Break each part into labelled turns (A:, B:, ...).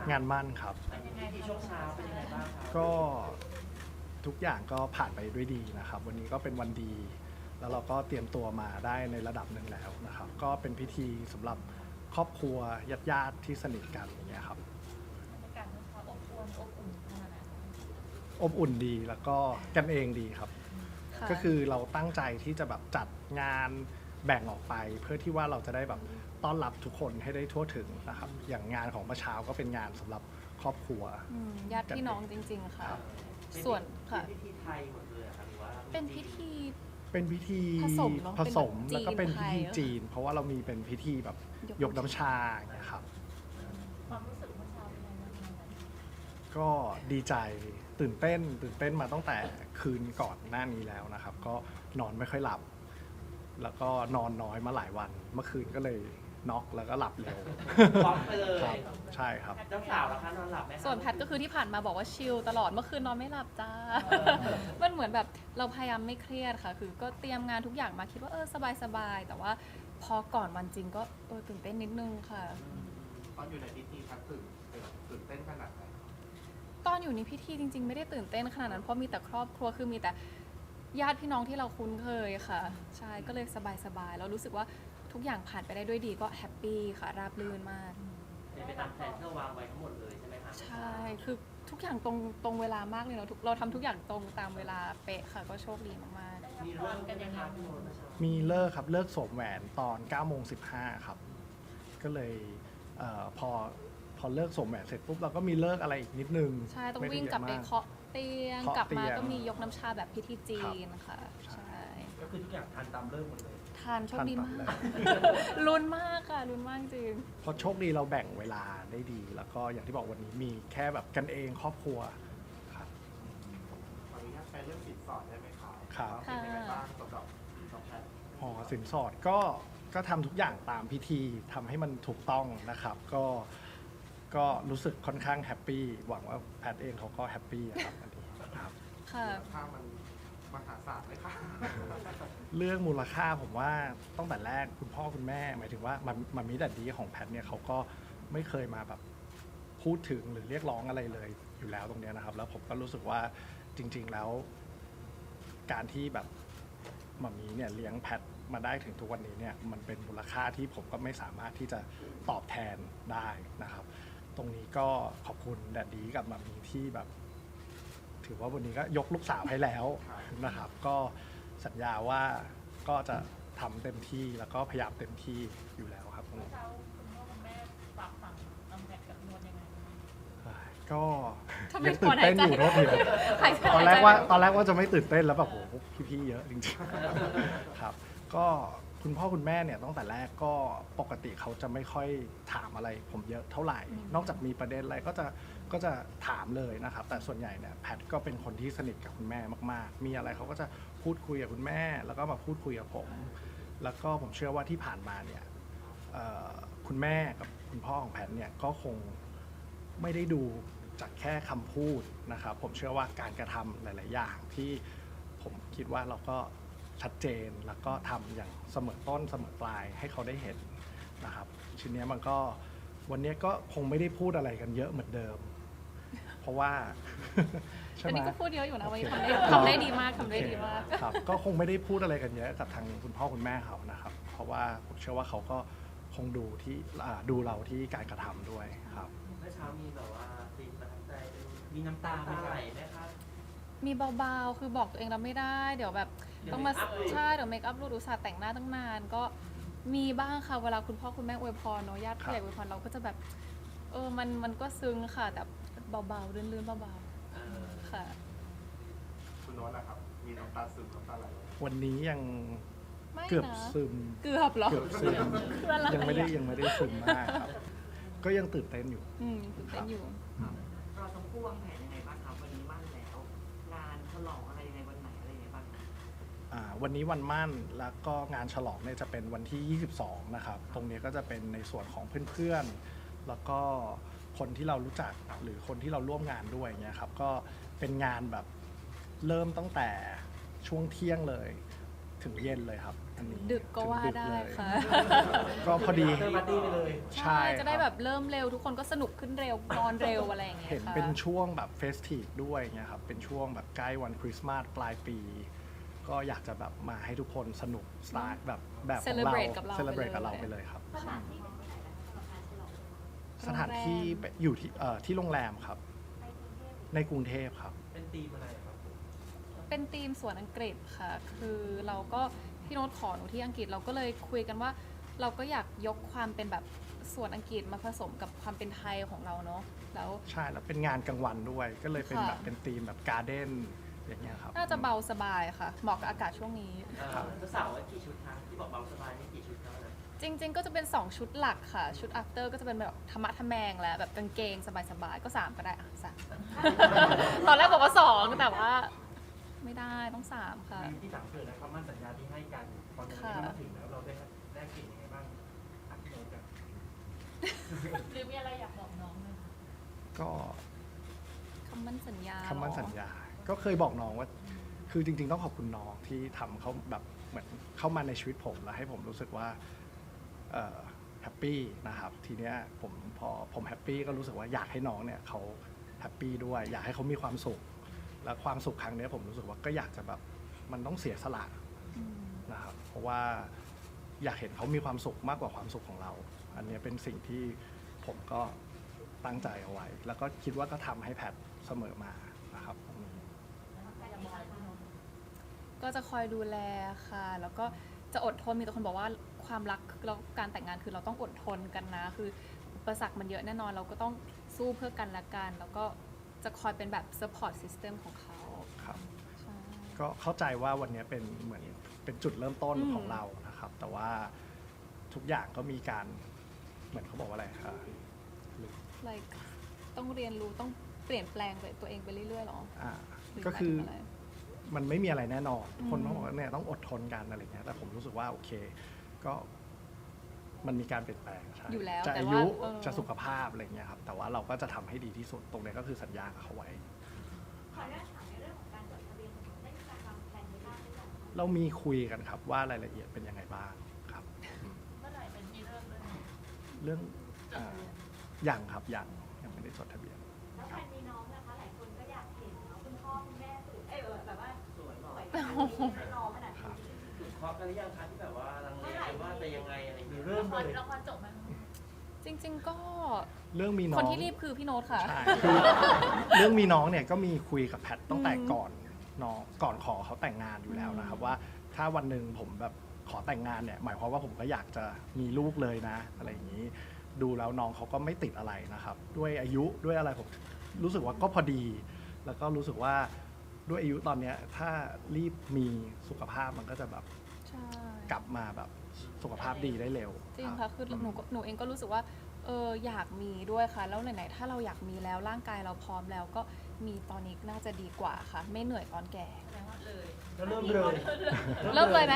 A: งานมั่นครับ
B: เป็นยังไงที่ช่วงเช้าเป็นยังไงบ้างครับ
A: ก็ทุกอย่างก็ผ่านไปด้วยดีนะครับ วันนี้ก็เป็นวันดี แล้วเราก็เตรียมตัวมาได้ในระดับหนึ่งแล้วนะครับ ก็เป็นพิธีสำหรับครอบครัวญาติๆที่สนิทกันอย่างเงี้ยครับ
C: บรรยากาศมันอบอวลอบอุ่นขนาดไหน
A: อบอุ่นดีแล้วก็กันเองดีครับ
C: ค่ะ
A: ก็คือเราตั้งใจที่จะแบบจัดงานแบ่งออกไป เพื่อที่ว่าเราจะได้แบบต้อนรับทุกคนให้ได้ทั่วถึงนะครับ อย่างงานของเมื่อเช้าก็เป็นงานสำหรับครอบครัว
C: ญาติพี่น้องจริง ๆ ค่ะ
A: ครับ
C: ส่วนค่ะ
B: เป็นพิธีไทยหมดเลยครับหรือว่า
C: เป็นพิธี
A: เป็นพิธี
C: ผสมเนอะ
A: ผสม
C: เป็นแบบ
A: แล้วก็เป็นพิธี
C: จีนไทย
A: จีน เพราะว่าเรามีเป็นพิธีแบบยกน้ำชาอย่างเงี้ยครับ
C: ความรู้สึกเมื่อเช้าเป็นยังไงบ้างคะ
A: ก็ดีใจตื่นเต้นมาตั้งแต่คืนก่อนหน้านี้แล้วนะครับ ก็นอนไม่ค่อยหลับ แล้วก็นอนน้อยมาหลายวัน เมื่อคืนก็เลยน็อกแล้วก็หลับเร็ว
B: พร้อมไปเลย
A: ครับใช่ครับ
B: เจ้าสาวแล้วคะนอนหลับไหมคะ
C: ส่วนแพทก็คือที่ผ่านมาบอกว่าชิลตลอดเมื่อคืนนอนไม่หลับจ้า มันเหมือนแบบเราพยายามไม่เครียดค่ะ คือก็เตรียมงานทุกอย่างมาคิดว่าสบายๆแต่ว่าพอก่อนวันจริงก็ตื่นเต้นนิดนึงค่ะ
D: ตอนอยู่ในพิธีพักตื่นเต้นขนาดไหน
C: ตอนอยู่ในพิธีจริง ๆ ไม่ได้ตื่นเต้นขนาดนั้นเพราะมีแต่ครอบครัวคือมีแต่ญาติพี่น้องที่เราคุ้นเคยค่ะ ใช่ก็เลยสบายๆแล้วรู้สึกว่าทุกอย่างผ่านไปได้ด้วยดีก็แฮปปี้ค่ะราบรื่นมาก
B: เป็นไปตามแผนที่เราวางไว้ทั้งหมดเลยใช่ไหมคะ
C: ใช่คือทุกอย่างตรงเวลามากเลยเนาะเราทำทุกอย่างตรงตามเวลาเป๊ะค่ะก็โชคดีมากๆ
B: มีเรื่องกันยังไงพี่โมเมื่อเช้า
A: มีเลิกครับเลิกสวมแหวนตอน9โมง15ครับ ก็เลยพอเลิกสวมแหวนเสร็จปุ๊บเราก็มีเลิกอะไรอีกนิดนึง
C: ใช่ต้อง
A: ม่ด้
C: วิ่งกลับไป
A: ยอะม
C: เคาะเตียง
A: เคาะ
C: กลับมา
A: เตียง
C: ก็มียกน้ำชาแบบพิธีจีนค่ะ
A: ใช่
C: ใช่
B: ก็คือทุกอย่างทันตามเริ่มหมดเลย
C: ทานโชคดีมา
A: ทัน
C: ก
A: ตาม
C: ลุ้นมากค่ะลุ้นมากจริง
A: เพราะโชคดีเราแบ่งเวลาได้ดี แล้วก็อย่างที่บอกวันนี้มีแค่แบบกันเองครอบครัวครับ
D: ขออนุญาตไปเรื่องสินสอดได้ไหมคะ
A: ครับ
D: เป็นยังไงบ้างสำหรับแพทย์
A: หอสินสอดก็ทำทุกอย่างตามพิธีทำให้มันถูกต้องนะครับ ก็รู้สึกค่อนข้างแฮปปี้หวังว่าแพทย์เองเขาก็แฮปปี้อะครับอันนี้ครับ
C: ค่ะ
D: ถ้ามันมหาศาลเลยค่ะ
A: เรื่องมูลค่าผมว่าตั้งแต่แรกคุณพ่อคุณแม่หมายถึงว่ามันมีดัดดีของแพทเนี่ยเขาก็ไม่เคยมาแบบพูดถึงหรือเรียกร้องอะไรเลยอยู่แล้วตรงเนี้ยนะครับ แล้วผมก็รู้สึกว่าจริง ๆแล้ว การที่แบบหมามีเนี่ยเลี้ยงแพทมาได้ถึงทุกวันนี้เนี่ยมันเป็นมูลค่าที่ผมก็ไม่สามารถที่จะตอบแทนได้นะครับ ตรงนี้ก็ขอบคุณแดดดีกับหมามีที่แบบ ถือว่าวันนี้ก็ยกลูกสาวให้แล้วนะครับ ก็สัญญาว่าก็จะทำเต็มที่แล้วก็พยายามเต็มที่อยู่แล้วครับตรงนี้
C: เช้าคุณพ่อคุณแม่ฝากฝังน้ำแพทกับนวลยังไง
A: ก็
C: ทำไม
A: ยังตื่นเต้นอยู่
C: ถอนหายใจ
A: โทษที
C: หายใจ
A: ตอนแรกว่าจะไม่ตื่นเต้นแล้วแบบโหพี่ๆเยอะจริงๆครับ ก็คุณพ่อคุณแม่เนี่ยตั้งแต่แรกก็ปกติเขาจะไม่ค่อยถามอะไรผมเยอะเท่าไหร่ นอกจากมีประเด็นอะไรก็จะถามเลยนะครับ แต่ส่วนใหญ่เนี่ยแพทก็เป็นคนที่สนิทกับคุณแม่มากๆ มีอะไรเขาก็จะพูดคุยกับคุณแม่ แล้วก็มาพูดคุยกับผม แล้วก็ผมเชื่อว่าที่ผ่านมาเนี่ยคุณแม่กับคุณพ่อของแพทเนี่ยก็คงไม่ได้ดูจากแค่คำพูดนะครับ ผมเชื่อว่าการกระทำหลาย ๆ อย่างที่ผมคิดว่าเราก็ชัดเจนแล้วก็ทำอย่างเสมอต้นเสมอปลายให้เขาได้เห็นนะครับชิ้นนี้มันก็วันนี้ก็คงไม่ได้พูดอะไรกันเยอะเหมือนเดิม เพราะว่า ใช่
C: อัน
A: ไหม
C: นี้ก็พูดเยอะอยู่นะวันนี้
A: โอเค
C: ทำได้ดีมากทำได้ดีมาก
A: ครับ ก็คงไม่ได้พูดอะไรกันเยอะกับทางคุณพ่อคุณแม่เขานะครับ เพราะว่าผมเชื่อว่าเขาก็คงดูเราที่การกระทำด้วยครับ
B: เมื่อเช้ามีแบบว่าซีนประทับใจมีน้ำตาไหลไหมครับ
C: มีเบาๆ คือบอกตัวเองเราไม่ได้ เดี๋ยวแบบต้องมา
B: เดี๋ยว make up
C: ใช่เดี๋ยวเมคอัพรูดอุตส่าห์แต่งหน้าตั้งนาน ก็มีบ้างค่ะ เวลาคุณพ่อคุณแม่อวยพรเนาะญาติผู้ใหญ่อวยพรเราก็จะแบบมันก็ซึ้งค่ะ แต่เบาๆลื่นๆเบา
B: เออ
C: ๆค่ะ
D: คุณโน้ตนะครับ มีน้ำตาซึมน้ำตาไหลไหม
A: วันนี้ยัง
C: ไม่
A: เกือบ
C: นะ
A: ซึม
C: เกือบเหรอ
A: เกือบซึม
C: คืออะไร
A: ยังไม่ได้
C: อะ
A: ซึมมากครับ ก็ยังตื่นเต้นอยู่
C: ตื่นเต้นอยู่
E: เราทั้งคู่วางแผนยังไงบ้างครับวันนี้มั่นแล้ว งานฉลองอะไรยังไงวันไหนอะไรยังไงบ้างครับ
A: วันนี้วันมั่นแล้วก็งานฉลองเนี่ยจะเป็นวันที่ 22 นะครับ ตรงนี้ก็จะเป็นในส่วนของเพื่อนๆ แล้วก็คนที่เรารู้จักหรือคนที่เราร่วมงานด้วยเนี่ยครับ ก็เป็นงานแบบเริ่มตั้งแต่ช่วงเที่ยงเลยถึงเย็นเลยครับอันนี้
C: ดึกก็ว่า
A: ถึง
C: ได้
A: เลย
C: ค่ะ
A: ก็พอดี
B: เตอร์บัดดี้ไปเลย
A: ใช่
C: จะได้แบบเริ่มเร็วทุกคนก็สนุกขึ้นเร็วนอนเร็วอะไรอย่างเงี้ย
A: เห็น
C: ค่ะ
A: เป็นช่วงแบบเฟสทีฟด้วยเงี้ยครับ เป็นช่วงแบบใกล้วันคริสต์มาสปลายปี ก็อยากจะแบบมาให้ทุกคนสนุกสไตล์แบบของเรา
C: Celebrate กับเรา
A: เซเลบรต
C: ไปเลย
A: กับเราไปเลยครับ
F: สถานที่เป็นที่ไหนนะคะสำหรับการฉลอง
A: สถานที่อยู่ที่โรงแรมครับ
F: ในกรุงเทพ
A: ในกรุงเทพครับ
B: เป็นธีมอะไรครับผม
C: เป็นทีมสวนอังกฤษค่ะ คือเราก็พี่โน้ตขอหนูที่อังกฤษเราก็เลยคุยกันว่า เราก็อยากยกความเป็นแบบสวนอังกฤษมาผสมกับความเป็นไทยของเราเนาะ แล้ว
A: ใช่แล้วเป็นงานกลางวันด้วย ก็เลยเป็น
C: ค่ะ
A: แบบเป็นธีมแบบการ์เด้นอย่างเงี้ยครับ
C: น่าจะเบาสบายค่ะ เหมาะกับอากาศช่วงนี้
A: ครับ
B: เจ้าสาวว่ากี่ชุดคะที่บอกเบาสบายนี่กี่ชุดครับนะ
C: จริง ๆ ก็จะเป็น 2 ชุดหลักค่ะ ชุด after ก็จะเป็นแบบธรรมะทะแมงแล้วแบบกางเกงสบายๆ ก็ 3 ก็ได้อ่ะสาม ตอนแรกบอกว่า 2 แต่ว่า ไม่ได้ต้อง 3 ค่ะ
B: ที่สามเกิดนะคำมั่นสัญญาที่ให้กันตอนนี้
C: ค่ะ
B: มาถึงแล้วเราได้กลิ่นยังไงบ้างอัพโหลดกัน
F: หรือมีอะไรอยากบอกน้องไหมคะ
A: ก็
C: คำมั่นสัญญา
A: คำมั่น
C: เหรอ
A: สัญญา ก็เคยบอกน้องว่า คือจริงๆต้องขอบคุณน้องที่ทำเขาแบบเหมือนเข้ามาในชีวิตผมแล้วให้ผมรู้สึกว่าแฮปปี้นะครับ ทีเนี้ยพอผมแฮปปี้ก็รู้สึกว่าอยากให้น้องเนี่ยเขาแฮปปี้ด้วย อยากให้เขามีความสุข และความสุขครั้งเนี้ยผมรู้สึกว่าก็อยากจะแบบมันต้องเสียสละ
C: อืม
A: นะครับ เพราะว่าอยากเห็นเขามีความสุขมากกว่าความสุขของเรา อันเนี้ยเป็นสิ่งที่ผมก็ตั้งใจเอาไว้ แล้วก็คิดว่าก็ทำให้แพทเสมอมานะครับตรงนี้
C: ก็จะคอยดูแลค่ะ แล้วก็จะอดทนมีแต่คนบอกว่าความรักแล้วการแต่งงานคือเราต้องอดทนกันนะ คืออุปสรรคมันเยอะแน่นอนเราก็ต้องสู้เพื่อกันและกัน แล้วก็จะคอยเป็นแบบ support system ของเขา
A: ครับ
C: ใช่
A: ก็เข้าใจว่าวันนี้เป็นเหมือนเป็นจุดเริ่มต้น
C: อืม
A: ของเรานะครับ แต่ว่าทุกอย่างก็มีการเหมือนเขาบอกว่าอะไรครับ
C: like ต้องเรียนรู้ต้องเปลี่ยนแปลงตัวเองไปเรื่อยๆหรอ
A: อ่า
C: หรื
A: ก็คือ
C: หมายถึงอะไร
A: มันไม่มีอะไรแน่นอน
C: อืม
A: คนต้องบอกว่าเนี่ยต้องอดทนกันอะไรเงี้ยแต่ผมรู้สึกว่าโอเคก็มันมีการเปลี่ยนแปลงใช่
C: อยู่แล้ว
A: จะ
C: แต่
A: อา
C: ว่า
A: ยุ
C: จะ
A: สุขภาพอะไรเงี้ยครับแต่ว่าเราก็จะทำให้ดีที่สุดตรงนี้ก็คือสัญญากับเขาไว้
F: ขออนุญาตถามในเรื่องของการจดทะเบียนสมรสได้มีการวางแผนไว้บ้างหรือยังคะ
A: เรามีคุยกันครับว่ารายละเอียดเป็นยังไงบ้างครับอืม
F: เมื่อไหร่เป็นที่เริ่มเลย
A: เรื่องยังครับยังไม่ได้จดทะเบียน
F: แล้วแฟนมีน้องนะคะ หลายคนก็อยากเห็นเนาะคุณพ่อคุณแม่สวยแบบว่า
B: สวยห
F: ส
B: น่อ
F: วย ยขนาดนี้ให้น้องขนาด
A: ครับ
F: นี้
B: ถึงเคาะกันหรือยังคะที่แบบว่าลังเลกันว่าจะยังไงอะไรอย่างเงี้ย
F: ละ
B: เริ่ม
F: ค
B: เล
F: ร
B: ย
F: ละครจบไหม
C: จริง ๆ ก็
A: เรื่องมีน้
C: ค
A: อน ง
C: ที่รีบคือพี่โน้ตค่ะ
A: ใช่คือเรื่องมีน้องเนี่ยก็มีคุยกับแพทตั้งแต่
C: อืม
A: ก่อนขอเขาแต่งงานอยู่แล้วนะครับ ว่าถ้าวันหนึ่งผมแบบขอแต่งงานเนี่ยหมายความว่าผมก็อยากจะมีลูกเลยนะ อะไรอย่างนี้ ดูแล้วน้องเขาก็ไม่ติดอะไรนะครับ ด้วยอายุด้วยอะไรผมรู้สึกว่าก็พอดี แล้วก็รู้สึกว่าด้วยอายุตอนเนี้ยถ้ารีบมีสุขภาพมันก็จะแบบ
C: ใช่
A: กลับมาแบบสุขภาพดีได้เร็ว
C: จริง
A: รั
C: ค่ะ
A: บ
C: คือหนูเองก็รู้สึกว่าอยากมีด้วยค่ะ แล้วไหนๆถ้าเราอยากมีแล้วร่างกายเราพร้อมแล้วก็มีตอนนี้น่าจะดีกว่าค่ะ ไม่เหนื่อยตอนแก่
F: แสดงว่าเลย
B: แล้วเริ่มเลย
C: เริ่มเลยไหม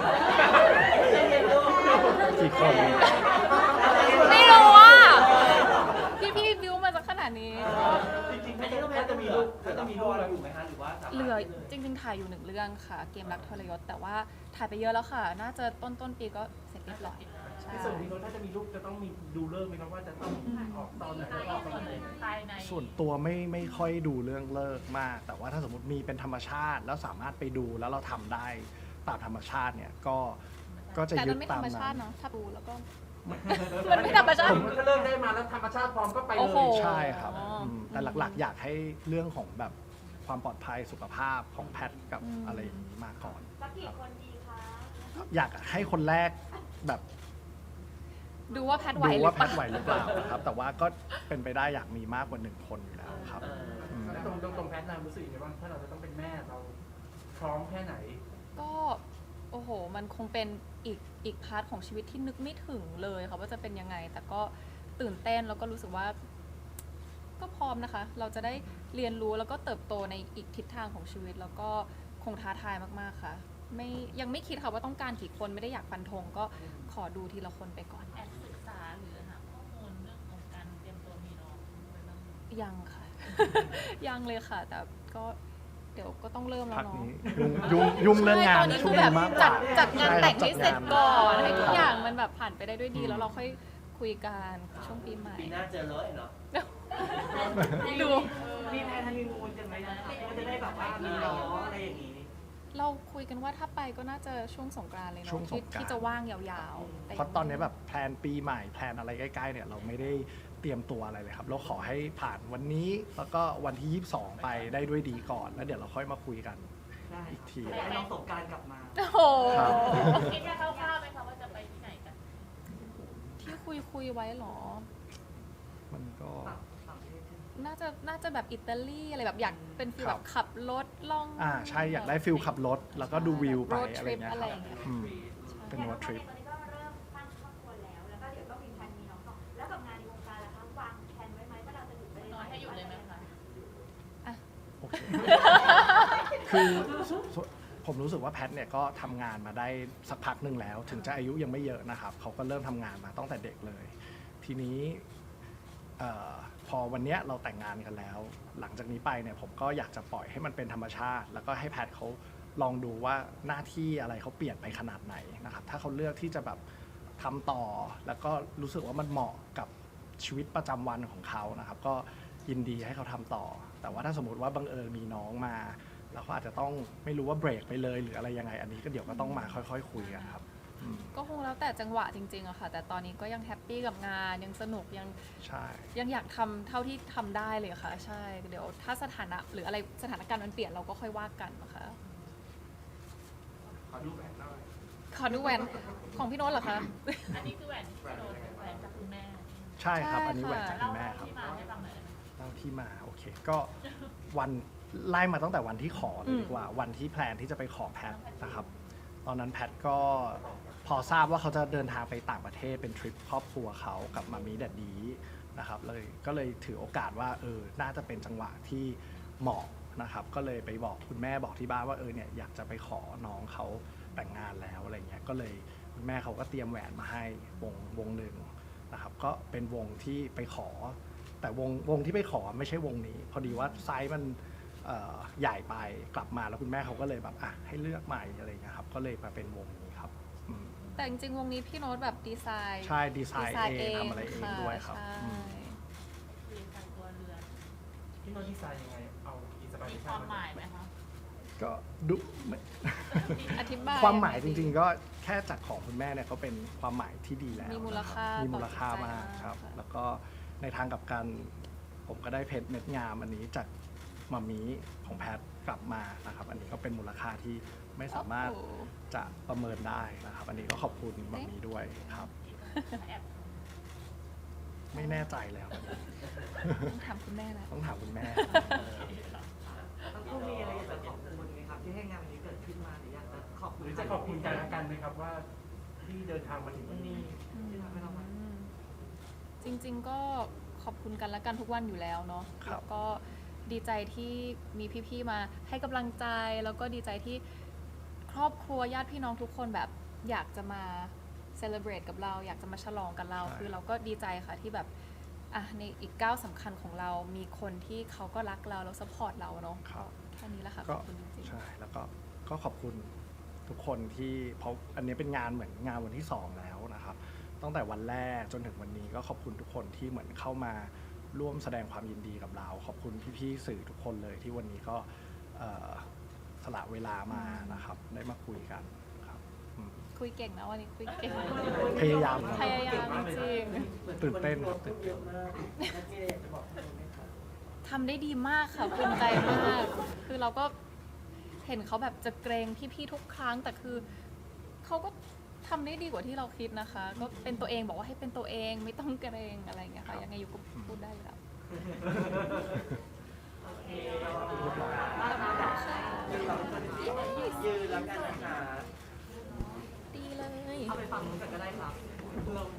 A: กี่คน
C: ไม่รู้ว่าพี่บิวมาจากขนาดนี้
B: จริงๆไม่ใช่ก็แพทย์จะมีลูกจะมีลูกแล้วอยู่ไหมคะหรือว่าสามารถ
C: เหลือจริงๆถ่ายอยู่1 เรื่องค่ะ เกมรักทรยศแต่ว่าถ่ายไปเยอะแล้วค่ะ น่าจะต้นปีก็เสร็จเรียบร้อยใช่
B: ในส่วนนี้ถ้าจะมีลูกจะต้องมีดูเลิกไหมครับว่าจะต้องออกตอนไหนออกตอนไหน
F: ภายใน
A: ส่วนตัวไม่ค่อยดูเรื่องเลิกมาก แต่ว่าถ้าสมมติมีเป็นธรรมชาติ แล้วสามารถไปดูแล้วเราทำได้ตามธรรมชาติเนี่ยก็จะ
C: แต่
A: ยึ
C: มั
A: ด
C: นไม่
A: ตา
C: ธร
A: ม
C: รมชา
A: นั้
C: ติ
A: น
C: เนาะถ้าดูแล้วก็ มันไม่ธรรมชาติ
B: ถ้าเลิกได้มาแล้วธรรมชาติพร้อมก็ไป
C: โอ้
B: เล
C: โห
B: ย
A: ใช่ครับ
C: อ๋ออื
A: แต่หลักๆ อยากให้เรื่องของแบบความปลอดภัยสุขภาพของแพทย์กับ
C: อืม
A: อะไรอย่างนี้มาก่อน
F: สักกี่คนดีคะ
A: อยากให้คนแรกแบบ
C: ดูว่าแพทย์ไหว
A: ดู
C: หรื
A: ว่า
C: อ
A: แพ
C: เปล่า
A: ทย์ไหวหรือเปล่านะครับ แต่ว่าก็เป็นไปได้อยากมีมากกว่า1 คนอยู่แล้วครับ
B: แล้วตรงแพทย์นามรู้สึกยังไงบ้างถ้าเราจะต้องเป็นแม่เราพร้อมแค่ไหน
C: ก็โอ้โห มันคงเป็นอีกพาร์ทของชีวิตที่นึกไม่ถึงเลยค่ะว่าจะเป็นยังไง แต่ก็ตื่นเต้นแล้วก็รู้สึกว่า ก็พร้อมนะคะ เราจะได้เรียนรู้แล้วก็เติบโตในอีกทิศทางของชีวิต แล้วก็คงท้าทายมากๆค่ะ ยังไม่คิดค่ะว่าต้องการกี่คนไม่ได้อยากฟันธงก็ขอดูทีละคนไปก่อน
F: แอบศึกษาหรือหาข้อมูลเรื่องของการเตรียมตัวมีน้องไว้บ้างไหม
C: ยังค่ะ ยังเลยค่ะ แต่ก็เดี๋ยวก็ต้องเริ่มแล้ว
A: พัก
C: เนาะ
A: นี้ยุ่งเรื่องงาน
C: ใช่ตอนนี้
A: ช่
C: คื
A: ว
C: อง แบบ
A: นี้มากกว่า
C: จัดงานแต่งให้เสร็จก่อน
A: ใช่
C: ให้
A: ครับ
C: ทุกอย่างมันแบบผ่านไปได้ด้วยดี
A: อืม
C: แล้วเราค่อยคุยกันช่วงปีใหม่
D: ปีหน้าเจอเลยเนาะ
C: ดู
E: มีแพลนฮันนีมูนกันไหมนะคะก็จะได้แบบว่ามีน้องอะไรอย่างนี้
C: เราคุยกันว่าถ้าไปก็น่าจะช่วงสงกรานต์เลย
A: ช่วง
C: เนาะ
A: สงกรานต์
C: ที่จะว่างยาวๆ
A: เพราะตอนนี้แบบแพลนปีใหม่แพลนอะไรใกล้ๆเนี่ยเราไม่ได้เตรียมตัวอะไรเลยครับ เราขอให้ผ่านวันนี้แล้วก็วันที่ 22 ไปได้ด้วยดีก่อน แล้วเดี๋ยวเราค่อยมาคุยกัน
E: ได้
A: อีกที
E: ให้น้องสงกรารกลับมา
C: โอ้โห
A: ครับ
F: คิดแค่คร่าวๆไหมคะว่าจะไปที่ไหนกัน
C: ที่คุยไว้เหรอ
A: มันก็
E: ต่างประเทศใช่ไหม
C: น่าจะแบบอิตาลีอะไรแบบอยากเป็นฟีล
A: ครั
C: แบบ บขับรถล่อง
A: ใช่อยากได้ฟิลขับรถ แล้วก็ดูวิวไป
C: road
A: อะไร
C: trip
A: เงี้ย
C: อะไร
A: ค
C: อ
A: รับ
C: ย่างเงี้ย
A: อืม
C: ใช่
A: เป็น road trip
F: ตอนนี้ก็เริ่มสร้างครอบครัวแล้ว แล้วก็เดี๋ยวต้องมีแผนมีน้องต่อแล้วกับงานในวงการล่ะคะวางแผนไว้ไหมว่าเราจะอยู่ไปน้อยให้อยู่เลยไหมคะ
A: โอเค คือผมรู้สึกว่าแพทเนี่ยก็ทำงานมาได้สักพักหนึ่งแล้ว ถึงจะอายุยังไม่เยอะนะครับ เขาก็เริ่มทำงานมาตั้งแต่เด็กเลย ทีนี้พอวันเนี้ยเราแต่งงานกันแล้ว หลังจากนี้ไปเนี่ยผมก็อยากจะปล่อยให้มันเป็นธรรมชาติ แล้วก็ให้แพทเขาลองดูว่าหน้าที่อะไรเขาเปลี่ยนไปขนาดไหนนะครับ ถ้าเขาเลือกที่จะแบบทำต่อ แล้วก็รู้สึกว่ามันเหมาะกับชีวิตประจำวันของเขานะครับ ก็ยินดีให้เขาทำต่อ แต่ว่าถ้าสมมติว่าบังเอิญมีน้องมา แล้วเขาอาจจะต้องไม่รู้ว่าเบรกไปเลยหรืออะไรยังไง อันนี้ก็เดี๋ยวก็ต้องมาค่อยๆคุยกันครับอืม
C: ก็คงแล้วแต่จังหวะจริงๆอะค่ะ แต่ตอนนี้ก็ยังแฮปปี้กับงานยังสนุกยัง
A: ใช่
C: อยากทำเท่าที่ทำได้เลยค่ะ ใช่ เดี๋ยวถ้าสถานะหรืออะไรสถานการณ์มันเปลี่ยนเราก็ค่อยว่ากันนะคะ
D: ขอดูแหวนหน่อย
C: ขอดูแหวนของพี่โน้ตเหรอคะ
F: อันนี้คือแหวนที่โดนแหวนจากคุณแม่
A: ใช่ครับ
C: ใช่
A: อันนี้แหวน
C: ค่ะ
A: จากคุณแม่ครับ
F: ที่มาให้ฟังหน่อย
A: เล่าที่มาโอเค ก็วันไล่มาตั้งแต่วันที่ขอเลยดีกว่า วันที่แพลนที่จะไปขอแพทนะครับ ตอนนั้นแพทก็พอทราบว่าเขาจะเดินทางไปต่างประเทศเป็นทริปครอบครัวเขากับมามีแดดดีนะครับเลยก็เลยถือโอกาสว่าน่าจะเป็นจังหวะที่เหมาะนะครับ ก็เลยไปบอกคุณแม่บอกที่บ้านว่าเนี่ยอยากจะไปขอน้องเขาแต่งงานแล้วอะไรเงี้ยก็เลยคุณแม่เขาก็เตรียมแหวนมาให้วงหนึ่งนะครับ ก็เป็นวงที่ไปขอ แต่วงที่ไปขอไม่ใช่วงนี้ พอดีว่าไซส์มันใหญ่ไปกลับมาแล้วคุณแม่เขาก็เลยแบบให้เลือกใหม่อะไรเงี้ยครับก็เลยมาเป็นวงนี้ครับอืม
C: แต่จริงๆวงนี้พี่โน้ตแบบดีไซน์
A: ใช่ดีไซน์เองทำอะไรเองด้วยครับ
C: ใช่
A: อืม
F: เรียนการตัวเรือน
B: พี่โน้ตดีไซน์ยังไง เอาอินสปิเร
F: มี
B: ชั่น
F: ความหมายไหมคะ
A: ก็ดูไม่
C: อธิบาย
A: ความหมายจริงๆก็แค่จากของคุณแม่เนี่ยก็เป็นความหมายที่ดีแล้ว
C: มีมูลค่า
A: นะครับมีมูลค่ามาก
C: ต่อจิตใจ
A: ครับ
C: มากค่ะ
A: แล้วก็ในทางกลับกันผมก็ได้เพชรเม็ดงามอันนี้จากมามีของแพทกลับมานะครับ อันนี้ก็เป็นมูลค่าที่ไม่สามารถ
C: โอ้โห
A: จะประเมินได้นะครับ อันนี้ก็ขอบคุณมามีด้วยครับ ไม่แน่ใจแล้วอันนี้
C: ต้องถามคุณแม่แล้ว
A: ต้องถามคุณแม่
E: ทั้งคู่มีอะไรอยากจะขอบคุณไหมครับที่ให้งานวันนี้เกิดขึ้นมาหรืออยากจะขอบคุ
B: ห
E: ณ
B: รือจะขอบคุณกันและกันไหมครับว่าที่เดินทางมาถึงวันนี้
E: ที่ทำให้เรามา
C: จริงๆก็ขอบคุณกันและกันทุกวันอยู่แล้วเนาะ
A: ครับ
C: แล้วก็ดีใจที่มีพี่ๆมาให้กำลังใจ แล้วก็ดีใจที่ครอบครัวญาติพี่น้องทุกคนแบบอยากจะมาเซเลบรตกับเรา อยากจะมาฉลองกับเรา คือเราก็ดีใจค่ะที่แบบในอีกก้าวสำคัญของเรา มีคนที่เขาก็รักเราแล้วซัพพอร์ตเราเนาะ
A: ครับ
C: แค่นี้แหละค่ะข
A: ก็
C: อบคุณจริงๆ
A: ใช่แล้วก็ขอบคุณทุกคนที่เพราะอันนี้เป็นงานเหมือนงานวันที่ 2 แล้วนะครับตั้งแต่วันแรกจนถึงวันนี้ก็ขอบคุณทุกคนที่เหมือนเข้ามาร่วมแสดงความยินดีกับเรา ขอบคุณพี่ๆสื่อทุกคนเลยที่วันนี้ก็สละเวลามานะครับได้มาคุยกันครับอืม
C: คุยเก่งนะวันนี้คุยเก่ง
A: พยายาม
C: พยายามจริง
A: ตื่นเต้นครับตื่นเต้น
C: ทำได้ดีมากค่ะภูมิใจมาก คือเราก็เห็นเขาแบบจะเกรงพี่ๆทุกครั้ง แต่คือเขาก็ทำได้ดีกว่าที่เราคิดนะคะ ก็เป็นตัวเองบอกว่าให้เป็นตัวเองไม่ต้องเกรงอะไรอย่างเงี้ยค่ะยังไงอยู่ก็พูดได้แล้ว
D: ยืนแล้วกันนะคะ
C: ดีเลย
E: เอาไปฟังนู้นกันก็ได้ครับ